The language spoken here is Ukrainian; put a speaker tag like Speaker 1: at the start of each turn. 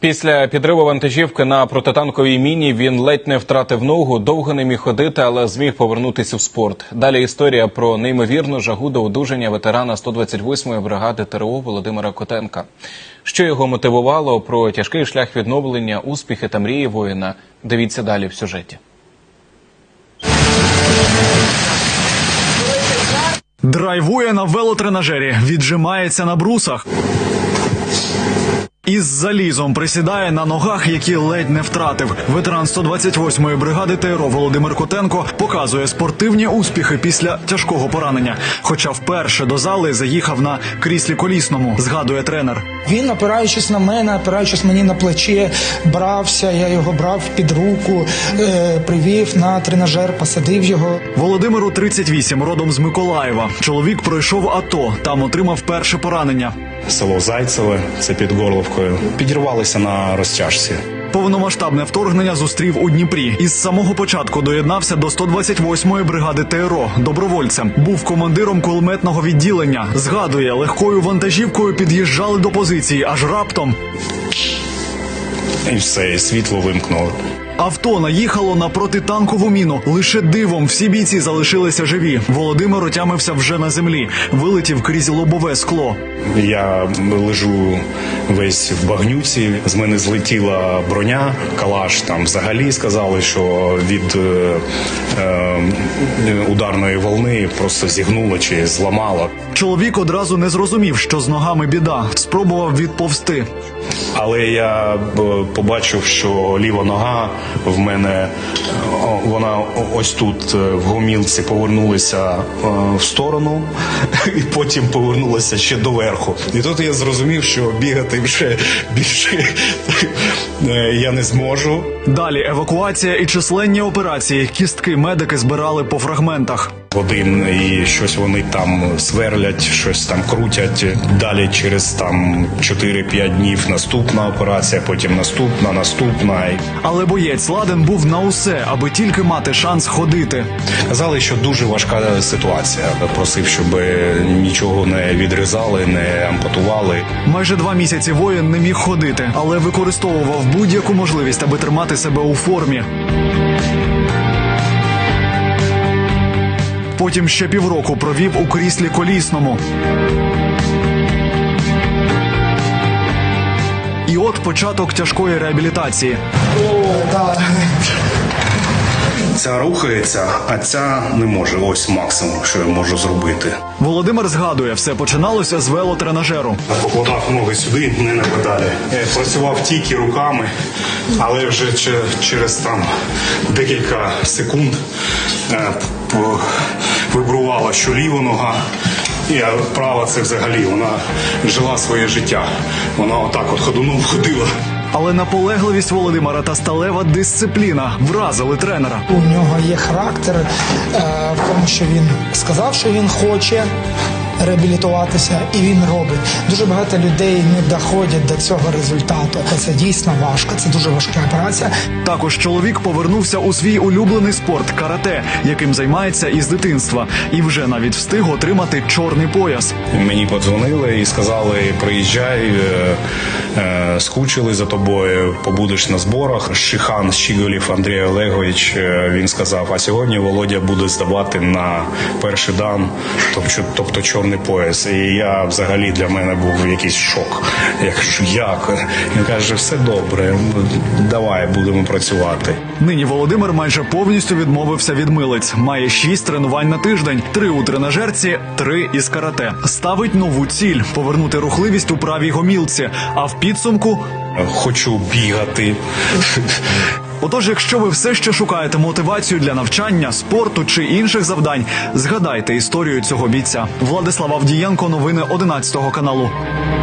Speaker 1: Після підриву вантажівки на протитанковій міні він ледь не втратив ногу, довго не міг ходити, але зміг повернутися в спорт. Далі історія про неймовірну жагу до одужання ветерана 128-ї бригади ТРО Володимира Котенка. Що його мотивувало, про тяжкий шлях відновлення, успіхи та мрії воїна – дивіться далі в сюжеті.
Speaker 2: Драйвує на велотренажері, віджимається на брусах. Із залізом присідає на ногах, які ледь не втратив. Ветеран 128-ї бригади ТРО Володимир Котенко показує спортивні успіхи після тяжкого поранення. Хоча вперше до зали заїхав на кріслі колісному, згадує тренер.
Speaker 3: Він, опираючись на мене, опираючись мені на плече, брався, я його брав під руку, привів на тренажер, посадив його.
Speaker 2: Володимиру 38, родом з Миколаєва. Чоловік пройшов АТО, там отримав перше поранення.
Speaker 4: Село Зайцеве, це під Горловкою. Підірвалися на розтяжці.
Speaker 2: Повномасштабне вторгнення зустрів у Дніпрі. Із самого початку доєднався до 128-ї бригади ТРО добровольцем. Був командиром кулеметного відділення. Згадує, легкою вантажівкою під'їжджали до позиції, аж раптом.
Speaker 4: І все, і світло вимкнуло.
Speaker 2: Авто наїхало на протитанкову міну. Лише дивом всі бійці залишилися живі. Володимир отямився вже на землі. Вилетів крізь лобове скло.
Speaker 4: Я лежу весь в багнюці. З мене злетіла броня, калаш. Там взагалі сказали, що від ударної волни просто зігнуло чи зламало.
Speaker 2: Чоловік одразу не зрозумів, що з ногами біда. Спробував відповзти.
Speaker 4: Але я побачив, що ліва нога в мене, вона ось тут в гомілці повернулася в сторону і потім повернулася ще доверху. І тут я зрозумів, що бігати вже більше я не зможу.
Speaker 2: Далі евакуація і численні операції. Кістки медики збирали по фрагментах.
Speaker 4: Один і щось вони там сверлять, щось там крутять. Далі через там 4-5 днів наступна операція, потім наступна.
Speaker 2: Але боєць ладен був на усе, аби тільки мати шанс ходити.
Speaker 4: Казали, що дуже важка ситуація. Просив, щоб нічого не відрізали, не ампутували.
Speaker 2: Майже 2 місяці воїн не міг ходити, але використовував будь-яку можливість, аби тримати себе у формі. Потім ще півроку провів у кріслі колісному. І от початок тяжкої реабілітації.
Speaker 4: Ця рухається, а ця не може. Ось максимум, що я можу зробити.
Speaker 2: Володимир згадує, все починалося з велотренажеру.
Speaker 4: Покладав ноги сюди, не на педалі. Працював тільки руками, але вже через там декілька секунд вибрувала, що ліва нога, і права це взагалі, вона жила своє життя. Вона отак от ходуном ходила.
Speaker 2: Але наполегливість Володимира та сталева дисципліна вразили тренера.
Speaker 3: У нього є характер в тому, що він сказав, що він хоче реабілітуватися, і він робить. Дуже багато людей не доходять до цього результату. Це дійсно важко, це дуже важка операція.
Speaker 2: Також чоловік повернувся у свій улюблений спорт – карате, яким займається із дитинства. І вже навіть встиг отримати чорний пояс.
Speaker 4: Мені подзвонили і сказали, приїжджай, скучили за тобою, побудеш на зборах. Шихан Щіголів Андрій Олегович, він сказав, а сьогодні Володя буде здавати на перший дан, тобто чорний пояс. І я взагалі, для мене був якийсь шок. Я кажу, як? Він каже, все добре, давай, будемо працювати.
Speaker 2: Нині Володимир майже повністю відмовився від милиць. Має 6 тренувань на тиждень, 3 у тренажерці, 3 із карате. Ставить нову ціль – повернути рухливість у правій гомілці, а в підсумку
Speaker 4: хочу бігати.
Speaker 2: Отож, якщо ви все ще шукаєте мотивацію для навчання, спорту чи інших завдань, згадайте історію цього бійця. Владислав Авдієнко, новини 11 каналу.